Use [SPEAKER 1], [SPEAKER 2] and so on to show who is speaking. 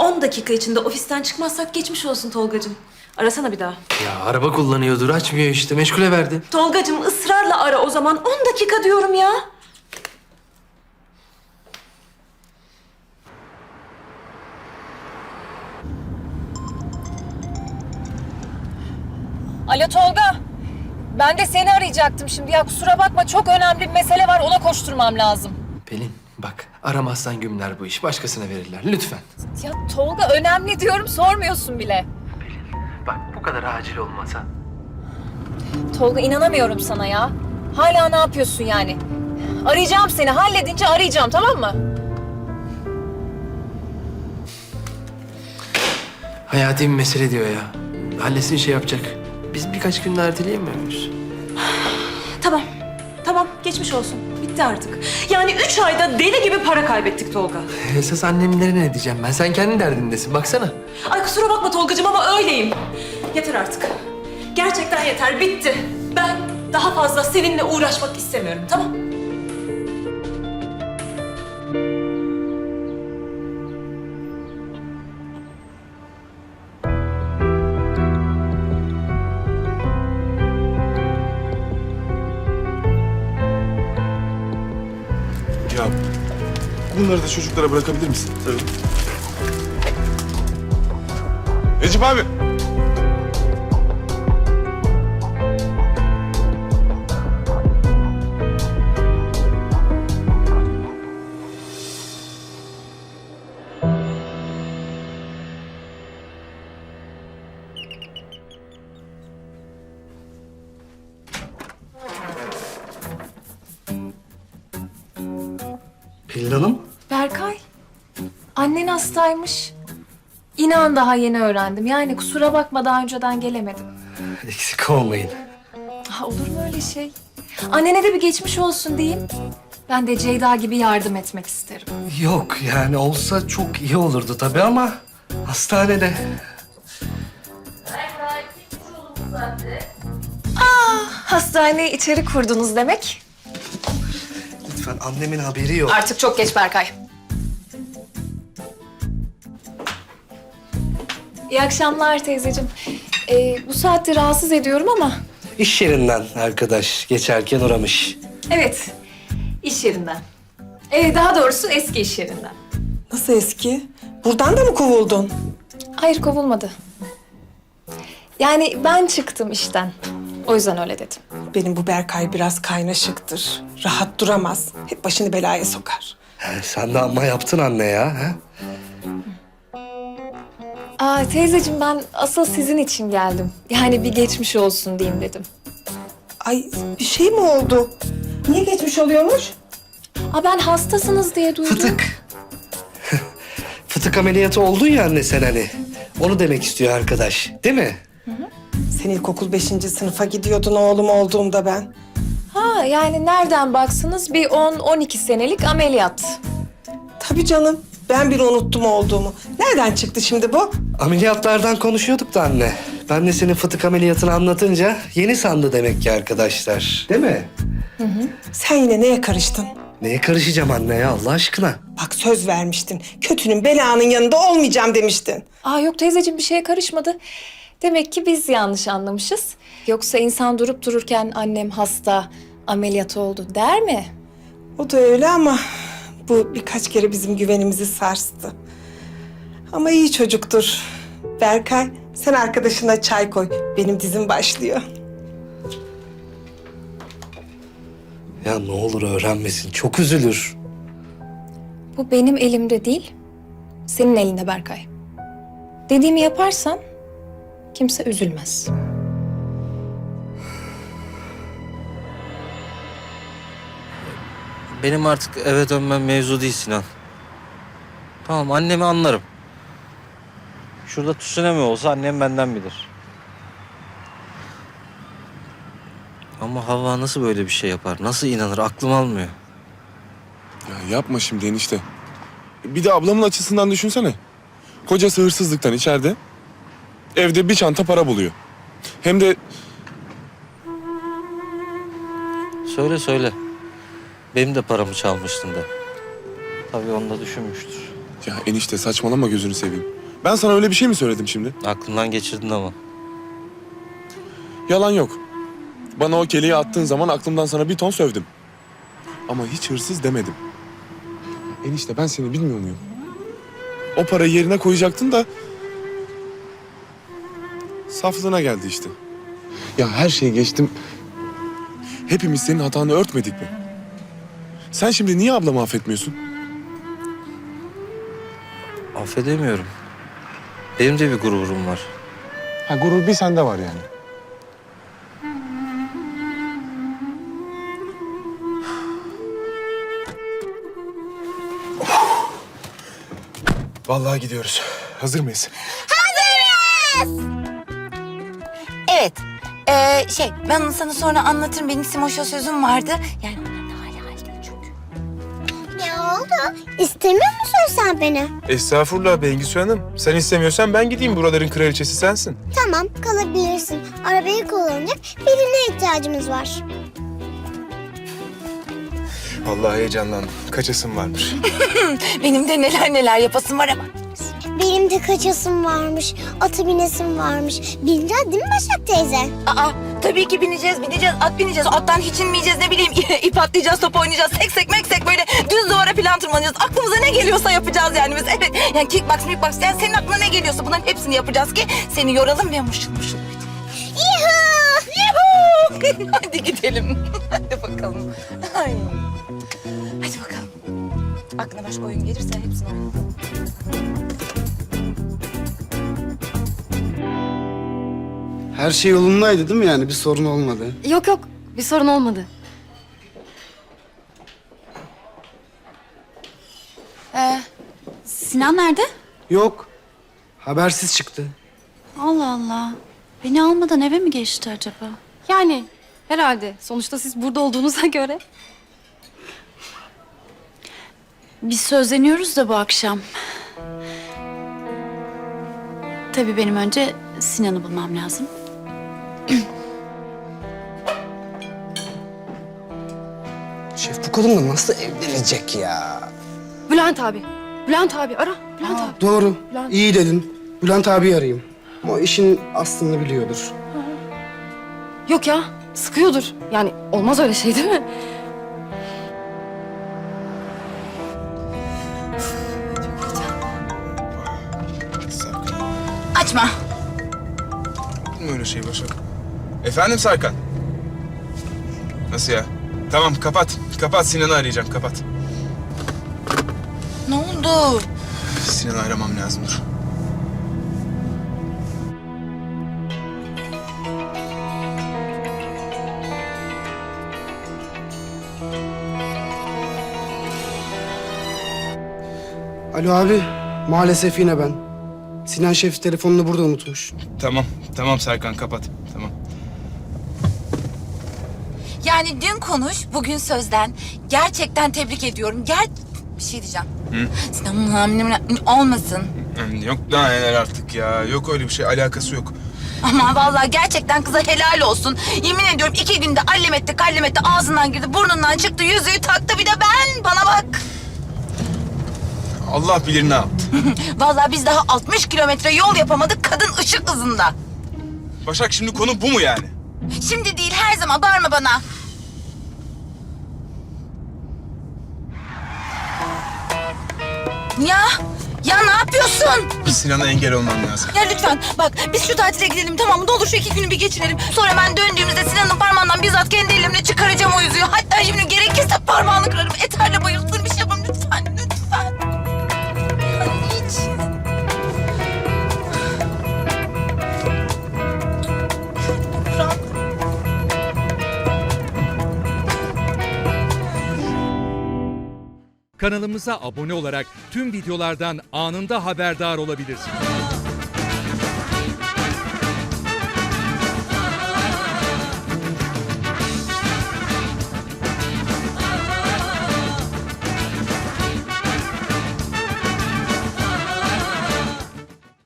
[SPEAKER 1] 10 dakika içinde ofisten çıkmazsak geçmiş olsun Tolgacığım. Arasana bir daha.
[SPEAKER 2] Ya araba kullanıyordur, açmıyor işte. Meşgule verdi.
[SPEAKER 1] Tolgacığım ısrarla ara o zaman. 10 dakika diyorum ya.
[SPEAKER 3] Alo Tolga. Ben de seni arayacaktım şimdi. Ya kusura bakma, çok önemli bir mesele var. Ona koşturmam lazım.
[SPEAKER 2] Pelin bak, aramazsan gümler bu iş. Başkasına verirler. Lütfen.
[SPEAKER 3] Ya Tolga, önemli diyorum, sormuyorsun bile.
[SPEAKER 2] Bak bu kadar acil olmasa.
[SPEAKER 3] Tolga, inanamıyorum sana ya. Hala ne yapıyorsun yani? Arayacağım seni. Halledince arayacağım, tamam mı?
[SPEAKER 2] Hayati bir mesele diyor ya. Halletsin, şey yapacak. Biz birkaç gün daha erteleyemiyor muyuz?
[SPEAKER 1] Tamam. Tamam geçmiş olsun. Bitti artık. Yani 3 ayda deli gibi para kaybettik Tolga.
[SPEAKER 2] Esas annemlere ne diyeceğim ben? Sen kendi derdindesin. Baksana.
[SPEAKER 1] Ay kusura bakma Tolgacığım ama öyleyim. Yeter artık. Gerçekten yeter. Bitti. Ben daha fazla seninle uğraşmak istemiyorum. Tamam?
[SPEAKER 4] Ya bunları da çocuklara bırakabilir misin? Tabii. Necip abi.
[SPEAKER 2] Pelin Hanım.
[SPEAKER 3] Berkay, annen hastaymış. İnan daha yeni öğrendim. Yani kusura bakma, daha önceden gelemedim.
[SPEAKER 2] Eksik olmayın.
[SPEAKER 3] Olur mu öyle şey? Annene de bir geçmiş olsun diyeyim. Ben de Ceyda gibi yardım etmek isterim.
[SPEAKER 5] Yok yani olsa çok iyi olurdu tabii ama hastanede.
[SPEAKER 3] Hastaneyi içeri kurdunuz demek.
[SPEAKER 5] Lütfen, annemin haberi yok.
[SPEAKER 3] Artık çok geç Berkay. İyi akşamlar teyzeciğim. Bu saatte rahatsız ediyorum ama...
[SPEAKER 5] İş yerinden arkadaş geçerken uğramış.
[SPEAKER 3] Evet, iş yerinden. Daha doğrusu eski iş yerinden.
[SPEAKER 6] Nasıl eski? Buradan da mı kovuldun?
[SPEAKER 3] Hayır, kovulmadı. Yani ben çıktım işten. O yüzden öyle dedim.
[SPEAKER 6] Benim bu Berkay biraz kaynaşıktır. Rahat duramaz. Hep başını belaya sokar.
[SPEAKER 5] Sen de amma yaptın anne ya. Ha?
[SPEAKER 3] Teyzeciğim, ben asıl sizin için geldim. Yani bir geçmiş olsun diyeyim dedim.
[SPEAKER 6] Ay, bir şey mi oldu? Niye geçmiş oluyormuş?
[SPEAKER 3] Ben hastasınız diye duydum.
[SPEAKER 5] Fıtık. Fıtık ameliyatı oldun ya anne sen hani. Onu demek istiyor arkadaş, değil mi?
[SPEAKER 6] Sen ilkokul 5. sınıfa gidiyordun oğlum olduğumda ben.
[SPEAKER 3] Yani nereden baksanız bir 10-12 senelik ameliyat.
[SPEAKER 6] Tabii canım. Ben bile unuttum olduğumu. Nereden çıktı şimdi bu?
[SPEAKER 5] Ameliyatlardan konuşuyorduk da anne. Ben de senin fıtık ameliyatını anlatınca yeni sandı demek ki arkadaşlar. Değil mi?
[SPEAKER 6] Sen yine neye karıştın?
[SPEAKER 5] Neye karışacağım anne ya Allah aşkına?
[SPEAKER 6] Bak söz vermiştin. Kötünün belanın yanında olmayacağım demiştin.
[SPEAKER 3] Yok teyzeciğim, bir şeye karışmadı. Demek ki biz yanlış anlamışız. Yoksa insan durup dururken annem hasta, ameliyat oldu der mi?
[SPEAKER 6] O da öyle ama bu birkaç kere bizim güvenimizi sarstı. Ama iyi çocuktur. Berkay, sen arkadaşına çay koy. Benim dizim başlıyor.
[SPEAKER 5] Ya ne olur öğrenmesin, çok üzülür.
[SPEAKER 3] Bu benim elimde değil, senin elinde Berkay. Dediğimi yaparsan kimse üzülmez.
[SPEAKER 7] Benim artık eve dönmem mevzu değil Sinan. Tamam, annemi anlarım. Şurada tsunami olsa annem benden bilir. Ama Havva nasıl böyle bir şey yapar? Nasıl inanır? Aklım almıyor.
[SPEAKER 4] Ya yapma şimdi enişte. Bir de ablamın açısından düşünsene. Kocası hırsızlıktan içeride. Evde bir çanta para buluyor. Hem de
[SPEAKER 7] Söyle söyle. Benim de paramı çalmıştın de. Tabii onu da düşünmüştür.
[SPEAKER 4] Ya enişte saçmalama gözünü seveyim. Ben sana öyle bir şey mi söyledim şimdi?
[SPEAKER 7] Aklından geçirdin ama.
[SPEAKER 4] Yalan yok. Bana o keleği attığın zaman aklımdan sana bir ton sövdüm. Ama hiç hırsız demedim. Enişte ben seni bilmiyor muyum? O parayı yerine koyacaktın da... Saflığına geldi işte. Ya her şeyi geçtim. Hepimiz senin hatanı örtmedik mi? Sen şimdi niye ablamı affetmiyorsun?
[SPEAKER 7] Affedemiyorum. Benim de bir gururum var.
[SPEAKER 4] Ha gurur bir sende var yani. Vallahi gidiyoruz. Hazır mıyız?
[SPEAKER 8] Evet. Ben onu sana sonra anlatırım. Benim Simoş'a sözüm vardı. Yani onlar da hala halde çünkü.
[SPEAKER 9] Ne oldu? İstemiyor musun sen beni?
[SPEAKER 10] Estağfurullah Bengüsü Hanım. Sen istemiyorsan ben gideyim. Buraların kraliçesi sensin.
[SPEAKER 9] Tamam, kalabilirsin. Arabayı kullanacak birine ihtiyacımız var.
[SPEAKER 10] Vallahi heyecanlandım. Kaçasım varmış.
[SPEAKER 8] Benim de neler yapasım var ama.
[SPEAKER 9] Benim de kaçasım varmış, atı binesim varmış. Bineceğiz değil mi Başak teyze?
[SPEAKER 8] Aa, tabii ki bineceğiz. At bineceğiz. Attan hiç inmeyeceğiz, ne bileyim. İp atlayacağız, top oynayacağız. Seksek böyle düz duvara falan tırmanacağız. Aklımıza ne geliyorsa yapacağız yani biz. Evet, yani kickbox. Yani senin aklına ne geliyorsa bunların hepsini yapacağız ki seni yoralım ve mışıl mışıl. Yuhuu! Hadi gidelim. Hadi bakalım. Ay. Hadi bakalım. Aklına başka oyun gelirse hepsini oynayalım.
[SPEAKER 11] Her şey yolundaydı değil mi yani? Bir sorun olmadı.
[SPEAKER 3] Yok bir sorun olmadı.
[SPEAKER 12] Sinan nerede?
[SPEAKER 11] Yok. Habersiz çıktı.
[SPEAKER 12] Allah Allah. Beni almadan eve mi geçti acaba?
[SPEAKER 3] Yani herhalde. Sonuçta siz burada olduğunuza göre.
[SPEAKER 12] Biz sözleniyoruz da bu akşam. Tabii benim önce Sinan'ı bulmam lazım.
[SPEAKER 5] Şef bu kadınla nasıl evlenecek ya?
[SPEAKER 3] Bülent abi ara. Bülent abi.
[SPEAKER 11] Doğru.
[SPEAKER 3] Bülent.
[SPEAKER 11] İyi dedin. Bülent abi arayayım. O işin aslını biliyordur.
[SPEAKER 3] Yok ya sıkıyordur. Yani olmaz öyle şey değil mi?
[SPEAKER 8] Açma.
[SPEAKER 10] Olur mu öyle şey Başak? Efendim Serkan? Nasıl ya? Tamam kapat. Kapat, Sinan'ı arayacağım. Kapat.
[SPEAKER 8] Ne oldu?
[SPEAKER 10] Sinan'ı aramam lazım, dur.
[SPEAKER 11] Alo abi. Maalesef yine ben. Sinan Şef telefonunu burada unutmuş.
[SPEAKER 10] Tamam Serkan, kapat. Tamam.
[SPEAKER 8] Yani dün konuş, bugün sözden. Gerçekten tebrik ediyorum. Bir şey diyeceğim. Sinan'ın hamile olmasın.
[SPEAKER 10] Yok daha neler artık ya. Yok öyle bir şey. Alakası yok.
[SPEAKER 8] Ama vallahi gerçekten kıza helal olsun. Yemin ediyorum 2 günde allem etti ağzından girdi, burnundan çıktı, yüzüğü taktı, bir de ben. Bana bak.
[SPEAKER 10] Allah bilir ne yaptı.
[SPEAKER 8] Vallahi biz daha 60 kilometre yol yapamadık, kadın ışık hızında.
[SPEAKER 10] Başak, şimdi konu bu mu yani?
[SPEAKER 8] Şimdi değil, her zaman bağırma bana. Ya ne yapıyorsun?
[SPEAKER 10] Sinan'a engel olmam lazım.
[SPEAKER 8] Ya lütfen bak, biz şu tatile gidelim, tamam mı? Ne olur şu 2 günü bir geçirelim. Sonra ben döndüğümüzde Sinan'ın parmağından bizzat kendi ellerimle çıkaracağım o yüzüğü. Hatta şimdi gerekirse parmağını kırarım. Eterle bayıltır, bir şey yapalım lütfen. Anneciğim.
[SPEAKER 13] Kanalımıza abone olarak tüm videolardan anında haberdar olabilirsiniz.